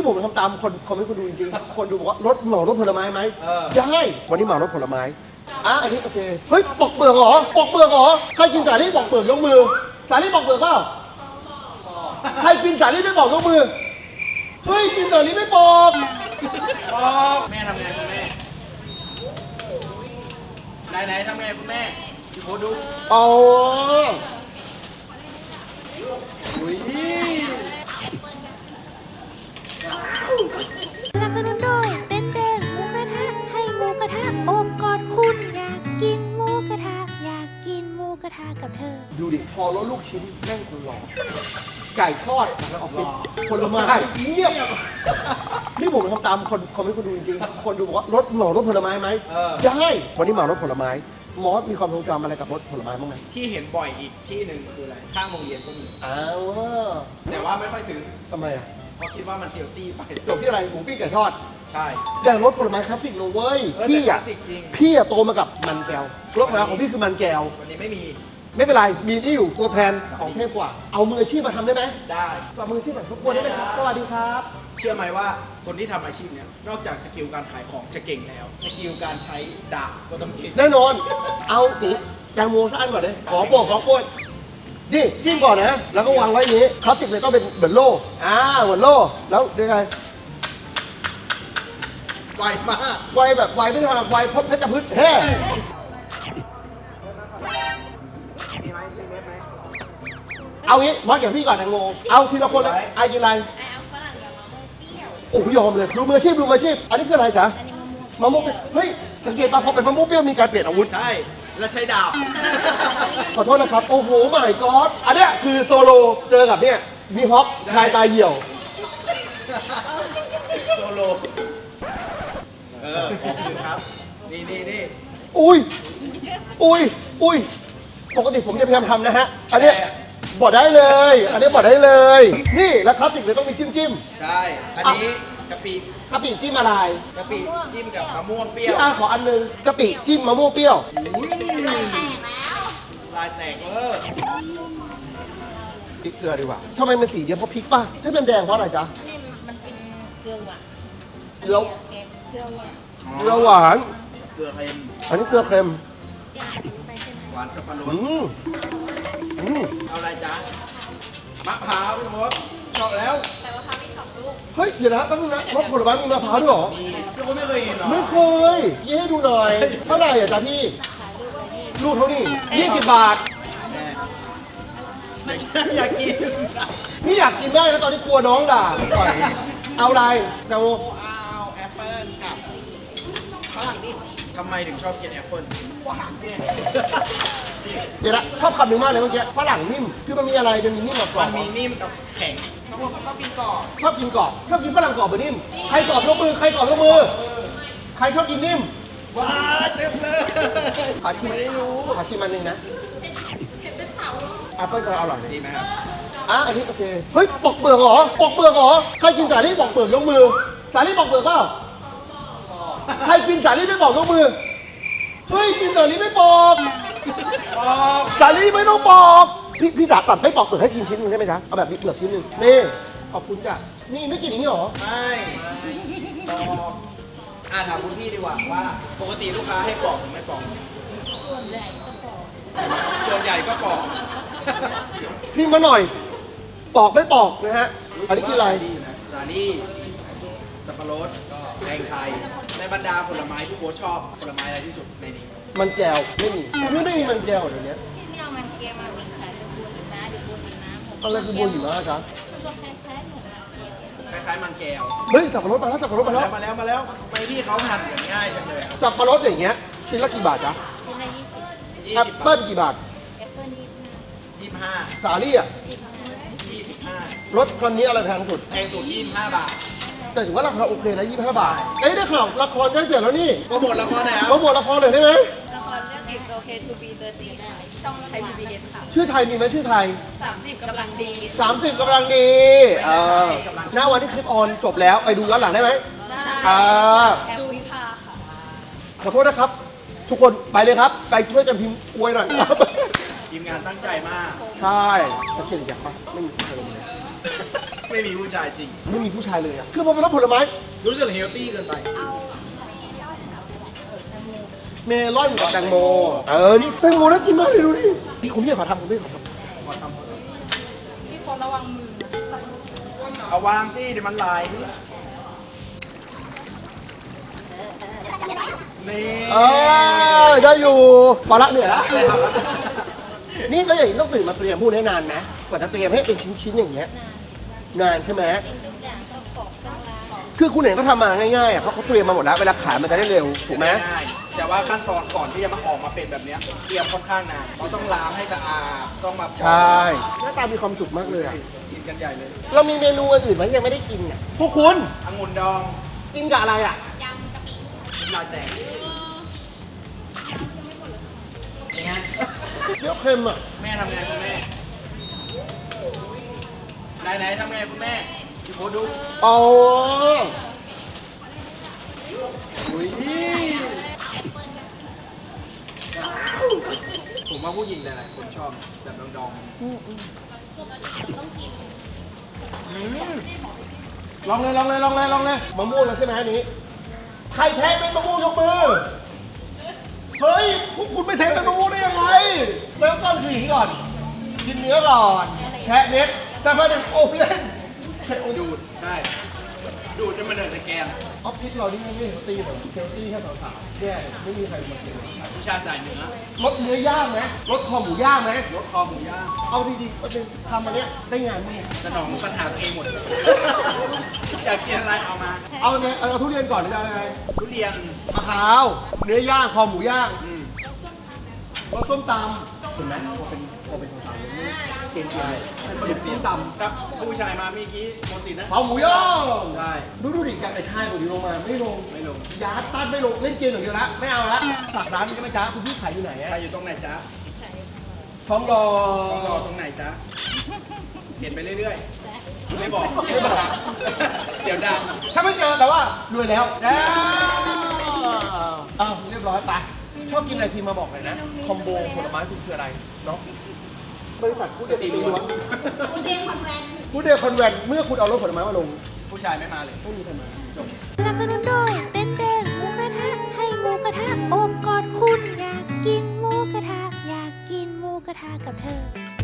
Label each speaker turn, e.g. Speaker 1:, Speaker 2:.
Speaker 1: ผมทำตามคนไม่คนดูจริงๆคนดูบอกว่ารถเหมารถผลไม้ไหมได้วันนี้เหมารถผลไม้อันนี้โอเคเฮ้ยปอกเปลือกเหรอปอกเปลือกเหรอใครกินสาลี่ปอกเปลือกยกมือสาลี่ปอกเปลือกเปล่าใครกินสาลี่ไม่ปอกยกมือเฮ้ยกินสาลี่ไม่ปอก
Speaker 2: แม่ทำไงคุณแม่ไหนทำไงคุณแม่พี่โพดู
Speaker 1: อ๋อ
Speaker 2: อุ้ย
Speaker 3: สนับสนุนโดยเต้นแดงหมูกระทะให้หมูกระทะโอบกอดคุณอยากกินหมูกระทะอยากกินหมูกระทะกับเธอ
Speaker 1: ดูดิพอรถลูกชิ้นแม่งคนหล่อไก่ทอดแล้วออกเป็นผลไม้เงียบนี่ผมทำตามคนไม่คนดูจริงๆคนดูบอกว่ารถเหมารถผลไม้ไหมได้วันนี้เหมารถผลไม้มอสมีความทรงจำอะไรกับรถผลไม้บ้างไหม
Speaker 2: ที่เห็นบ่อยอีกที่หนึ่งคืออะไรข้างโรงเรียนก็มีแต่ว่าไม่ค่อยซื้อ
Speaker 1: ทำไมอ่ะ
Speaker 2: เพราะคิดว่ามันเฮลตี้ไป
Speaker 1: จบที่อะไรหมูปิ้งไก่ทอด
Speaker 2: ใช่
Speaker 1: แต่รถผลไม้คลาสสิกโนเว้ยพี่อะโตมากับมันแก้วรถผลไม้ของพี่คือมันแก้ว
Speaker 2: วันนี้ไม่
Speaker 1: เป็นไรมีที่อยู่ตัวแทนของเทพกว่าเอามืออาชีพมาทำได้ไหม
Speaker 2: ได้
Speaker 1: มืออาชีพแบบทุกคนได้ไหมครับสวัสดีครับ
Speaker 2: เชื่อไหมว่าคนที่ทำอาชีพเนี้ยนอกจากสกิลการขายของจะเก่งแล้วสกิลการใช้ดาบก็ต้องเก่ง
Speaker 1: แน่นอนเอาตีแตงโมสักอันก่อนเลยขอโปรดนี่จิ้มก่อนนะแล้วก็วางไว้อย่างนี้คลาสสิกเลยต้องเป็นเหมือนโล่เหมือนโล่แล้วยังไง
Speaker 2: ไวมาก
Speaker 1: ไวแบบไวไม่ใช่แบบไวพดเพชรพืชแท้เอางี้มอสอย่างพี่ก่อนแตงโมเอาทีละคนเลยไอ้กินอะไร
Speaker 3: เอาฝรั่งกับมะม่วงเปรี้ยว
Speaker 1: โอ้ยอมเลยดูมืออาชีพอันนี้คืออะไรจ๊ะ
Speaker 3: อันนี้
Speaker 1: มะม่วงเฮ้ยสังเกตป่ะพอเป็นมะม่วงเปรี้ยวมีการเปลี่ยนอาวุธ
Speaker 2: ใช่แล้วใช้ดาบ
Speaker 1: ขอโทษนะครับโอ้โหไม่ก็อดอันเนี้ยคือโซโลเจอกับเนี่ยมีฮอปชายตายเหี่ยว
Speaker 2: โซโลขอบคุณครับนี่
Speaker 1: อุ้ยปกติผมจะพยายามทำนะฮะอันนี้บอกได้เลยอันนี้บอกได้เลยนี่แล้วคลาสสิกเลยต้องมีจิ้ม
Speaker 2: ใช่อันนี้กะปิ
Speaker 1: จิ้มอะไร
Speaker 2: กะปิจิ้มกับมะม่วงเปรี้ยว
Speaker 1: ขออันนึงกะปิจิ้มมะม่วงเปรี้ยว
Speaker 2: ลายแตก
Speaker 1: พริกเกลือดีกว่าทำไมมันสีเดียวเพราะพริกป่ะให้มันแดงเพราะอะไรจ๊ะ
Speaker 3: นี่มันเป็นเกลือหวาน
Speaker 1: เกลือหวาน
Speaker 2: เกลือเค็ม
Speaker 1: อันนี้เกลือเค็ม
Speaker 2: หวานสับปะรดเอาอะไรจ๊ะมะพร้าวพี่มดชอบแล้ว
Speaker 3: แต่มะพร้าวมี2 ลูก
Speaker 1: เฮ้ยเดี๋ยวนะต้องนะรถผลไม้มีมะพร้าวด้วยหรอ
Speaker 2: พี่มดไม่เคยเห็นหรอ
Speaker 1: ไม่เคยยี่ให้ดูหน่อยเท่าไหร่อ่ะจ๊ะพี่ลูกเท่านี้20 บาท
Speaker 2: อยากกิน
Speaker 1: นี่อยากกินได้แล้วตอนนี้กลัวน้องด่าเอาอะไรแตงโม
Speaker 2: เอาแอปเปิ้ลกับฝรั่งดิทำไมถึงชอบกินแอปเปิ้ลหวานเนี่ย
Speaker 1: เดี๋ยวนะชอบคำหนึ่งมากเลยเมื่อกี้ฝรั่งนิ่มคือมันมีอะไรมันมีนิ่มกับกรอบ
Speaker 2: มันมีนิ่มกับแข็งชอบกินกรอบ
Speaker 1: ชอบกินฝรั่งกรอบหรือนิ่มใครกรอบยกมือใครชอบกินนิ่ม
Speaker 2: ว้าเต็มเลย
Speaker 1: ขอชิมอันนึงนะแอปเปิ้ลจะอร่อย
Speaker 2: ดีไหมครับ
Speaker 1: อันนี้โอเคเฮ้ยปอกเปลือกเหรอใครกินสาลี่ปอกเปลือกยกมือสาลี่ปอกเปลือกเปล่าใครกินสาลี่ไม่ปอกยกมือเฮ้ยกินสาลี่ไม่ปอกสาลี่ไม่ต้องปอกพี่จ๋าตัดไม่ปอกเปลือกให้กินชิ้นนึงได้ไหมจ๊ะเอาแบบมีเปลือกชิ้นนึงนี่ขอบคุณจ้ะนี่ไม่กินอย่างนี้หรอ
Speaker 2: ไม่ปอกถามคุณพี่ดีกว่าว่าปกติลูกค้าให้ปอกหรือไม่ปอก
Speaker 3: ส่วนใหญ่ก็ปอก
Speaker 1: พี่มาหน่อยปอกไม่ปอกนะฮะอันนี้คืออะไร
Speaker 2: สาลี่สับปะรดแตงไทยในบรรดาผลไม้ที่โค้ชชอบผลไม้อะไรที่สุดในนี้
Speaker 1: มันแก้วไม่มีมันแก้วเดี๋ยวนี้
Speaker 3: ที่ไม่เอามันแก้วมาวิ่งขายดูบุญนะ
Speaker 1: อะไรคือบุญอยู่นะจ๊ะ
Speaker 2: คล้ายๆมันแก้ว
Speaker 1: เฮ้ยสับปะรดมาแล้ว
Speaker 2: ไปที่เขาหั่นง่ายจังเลย
Speaker 1: สับปะรดอย่างเงี้ยชิ้นละกี่บาทจ๊ะ
Speaker 3: ชิ้นละ20
Speaker 1: แอปเปิ้ลกี่บาท
Speaker 3: แอปเปิ้ล
Speaker 2: 25
Speaker 1: สาลี่อ่ะ
Speaker 2: 25
Speaker 1: รถคันนี้อะไรแพงสุด
Speaker 2: 25 บาท
Speaker 1: แต่ถือว่าราคาโอเคนะ25 บาทได้ข่าวละครใกล้เสร็จแล้วนี่
Speaker 2: โปรโมทละครไหนครับ
Speaker 1: โปรโมทละครหน่อยได้ไหม
Speaker 3: ละครเรื่อง It's Okay to be 30ช่องไทย PBS ค่ะ
Speaker 1: ชื่อไทยมีไหมชื่อไทย
Speaker 3: 30กำลังดี
Speaker 1: หน้าวันที่คลิปออนจบแล้วไปดูย้อนหลังได้ไหม
Speaker 3: ดูวิภาค่ะ
Speaker 1: ขอโทษนะครับทุกคนไปเลยครับไปช่วยกันพิมพ์อวยหน่อย
Speaker 2: ทีมงานตั้งใจมาก
Speaker 1: ใช่สักเกตอย่างปะไม่มีใครเลย
Speaker 2: ไม่ไม่มีผู้ชายจริง
Speaker 1: ไม่มีผู้ชายเลยอะคือพอเป็นรสผลไม้
Speaker 2: รู้สึกเฮลตี้เกินไป
Speaker 1: เมลอนกับแตงโมนี่แตงโมน่ากินมากเลยดูดินี่คุณพี่ขอทำคุณพี่ขอทำ
Speaker 4: พี่คนระวังมือ
Speaker 2: เอาวางที่เดี๋ยวมันไหลนี่
Speaker 1: ได้อยู่พอละเหนื่อยละนี่แล้วอย่างนี้ต้องตื่นมาเตรียมพวกนี้นานไหมกว่าจะเตรียมให้เป็นชิ้นๆอย่างเงี้ยนานใช่ไหมคือคุณเห็นเขาทำมาง่ายๆอ่ะเพราะเขาเตรียมมาหมดแล้วเวลาขายมันจะได้เร็วถูกไหม
Speaker 2: ง่ายแต่ว่าขั้นตอนก่อนที่จะมาออกมาเป็นแบบเนี้ยเตรียมค่อนข้างนานเราต้องล้างให้สะอาดต้องมา
Speaker 1: ใช่หน้าตามีความสุขมากเลยอ่ะ
Speaker 2: กินกันใหญ่เลย
Speaker 1: เรามีเมนูอื่นไหมที่ยังไม่ได้กินอ่ะพวกคุณ
Speaker 2: องุ่นดอง
Speaker 1: กินกับอะไรอ่ะ
Speaker 2: ลายแตกเนี่ย
Speaker 1: เดี๋ยวเค็มอ่ะ
Speaker 2: แม่ทำไงคุณแม่ไหนทำไงคุณแม่พี่โพสดู
Speaker 1: อ๋อ
Speaker 2: อุ้ยผมว่าผู้หญิงหลายๆคนชอบแบบดอง
Speaker 1: ลองเลยมะม่วงแล้วใช่ไหมอันนี้ใครแท้เป็นมะม่วงยกมือเฮ้ยพวกคุณไม่แท้เป็นมะม่วงได้ยังไงเริ่มต้นคืออย่างนี้ก่อนกินเนื้อก่อนแทะเม็ดแต่พอเป็นโอเล่น
Speaker 2: ๆดูดได้ดูดจนมันเดือดตะแกรง
Speaker 1: ออฟฟิศเรานี่ไม่เฮลตี้เหรอเฮลตี้แค่สาวๆเนี่ยไม่มีใครมากิน
Speaker 2: ผู้ชายใส่เนื้อ
Speaker 1: รสเนื้อย่างไหมรสคอหมูย่างไหม
Speaker 2: รสคอหมูย่าง
Speaker 1: เอาดีๆประเด็นทำอันเนี้ยได้งานไหม
Speaker 2: สนองปัญหาตัวเองหมด อยากกินอะไรเอามา
Speaker 1: เอาเนี่ยเอาทุเรียนก่อนหรือจะเอาอะไร
Speaker 2: ทุเรียน
Speaker 1: มะพร้าวเนื้อย่างคอหมูย่าง
Speaker 2: อืม
Speaker 1: รสส้มตำเห็นไหมพอเป็นส้มตำเนี่ยเกณฑ์ใหญ่มันเป็นส้มตำ
Speaker 2: ครับผู้ชายมาเมื่อกี้โมสินนะ
Speaker 1: คอหมูย่าง
Speaker 2: ใช่
Speaker 1: ดูดิจากไอ้ชายผมลงมาไม่ลง
Speaker 2: ไม่ลง
Speaker 1: ยาตันไม่ลงเล่นเกมอย่างเดียวละไม่เอาละฝากร้านนี้ใช่ไหมจ๊ะคุณพี่ขายอยู่ไหน
Speaker 2: ใคร
Speaker 1: อะ
Speaker 2: อยู่ตรงไหนจ๊ะ
Speaker 1: ท้องรอ
Speaker 2: ต้องรอตรงไหนจ๊ะเห็นไปเรื่อยๆ ไม่บอก เดี๋ยวดัง
Speaker 1: ถ้าไม่เจอแต่ว่ารวยแล้วอ้าวเรียบร้อยไปชอบกินอะไรพิมพ์มาบอกเลยนะ คอมโบผลไม้คุณคืออะไรเนาะบริษัทกูเดตีล้วน
Speaker 4: คุณเดนคอนแวน
Speaker 1: กูเดคอนแวนเมื่อคุณเอารถผลไม้มาลง
Speaker 2: ผู้ชายไม่มาเลย
Speaker 1: ไม่มีใครมาจบ
Speaker 3: สนับสนุนโดยเต้นแดงหมูกระทะให้หมูกระทะโอบกอดคุณอยากกินหมูกระทะอยากกินหมูกระทะกับเธอ